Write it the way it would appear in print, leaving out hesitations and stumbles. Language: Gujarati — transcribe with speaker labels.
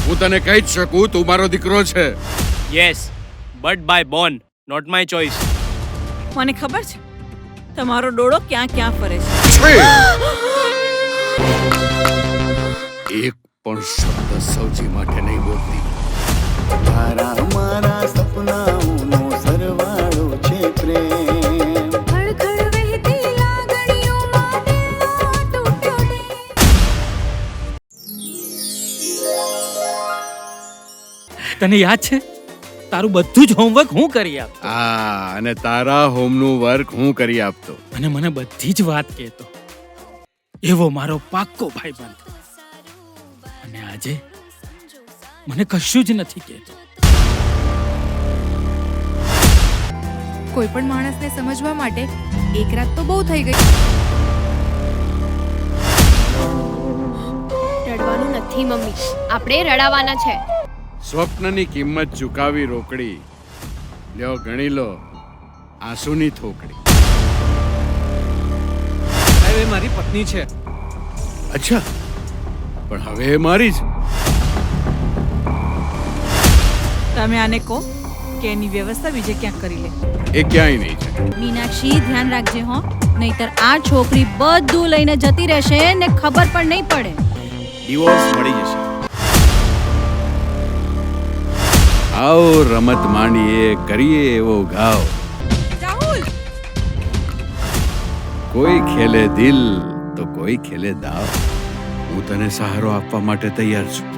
Speaker 1: હું તને કહી જ શકું, તું મારો દીકરો છે.
Speaker 2: Yes, but by born, not my choice.
Speaker 3: મને ખબર છે તમારો ડોળો ક્યાં ક્યાં ફરે છે.
Speaker 1: એક પણ શબ્દ સૌજી માટે નહીં બોલતી.
Speaker 4: તારા મારા સપનાઓનો સરવાળો છે પ્રેમ.
Speaker 5: ખડખડ વહેતી લાગણીઓમાં દિલનો તૂટ્યો ડે.
Speaker 6: તને યાદ છે તારું બધું જ હોમવર્ક હું કરી આપ
Speaker 1: અને તારા હોમનું વર્ક હું કરી આપતો.
Speaker 6: અને મને બધી જ વાત કહેતો. એવો મારો પાક્કો ભાઈબંધ. અને આજે મને કશું જ નથી કહેતો.
Speaker 5: કોઈ પણ માણસને સમજવા માટે એક રાત તો બહુ થઈ ગઈ.
Speaker 7: રડવાનું નથી મમ્મી, આપણે રડાવાના છે.
Speaker 1: સ્વપ્નની કિંમત ચૂકાવી રોકડી. લ્યો ગણી લો આંસુની થોકડી.
Speaker 2: એ મારી પત્ની છે.
Speaker 1: અચ્છા, પણ હવે એ મારી જ.
Speaker 3: તમે આને કહો કે એની વ્યવસ્થા બીજે ક્યાંક કરી લે.
Speaker 1: એ ક્યાંય નહીં છે.
Speaker 8: મીનાક્ષી, ધ્યાન રાખજે હો, નહીતર આ છોકરી બધું લઈને જતી રહેશે ને ખબર પણ નહીં પડે.
Speaker 2: ડિવોર્સ મળી જશે.
Speaker 1: આવો રમત માંડીએ, કરીએ એવો ઘાવ.
Speaker 3: રાહુલ,
Speaker 1: કોઈ ખેલે દિલ તો કોઈ ખેલે દાવ. હું તને સહારો આપવા માટે તૈયાર છું.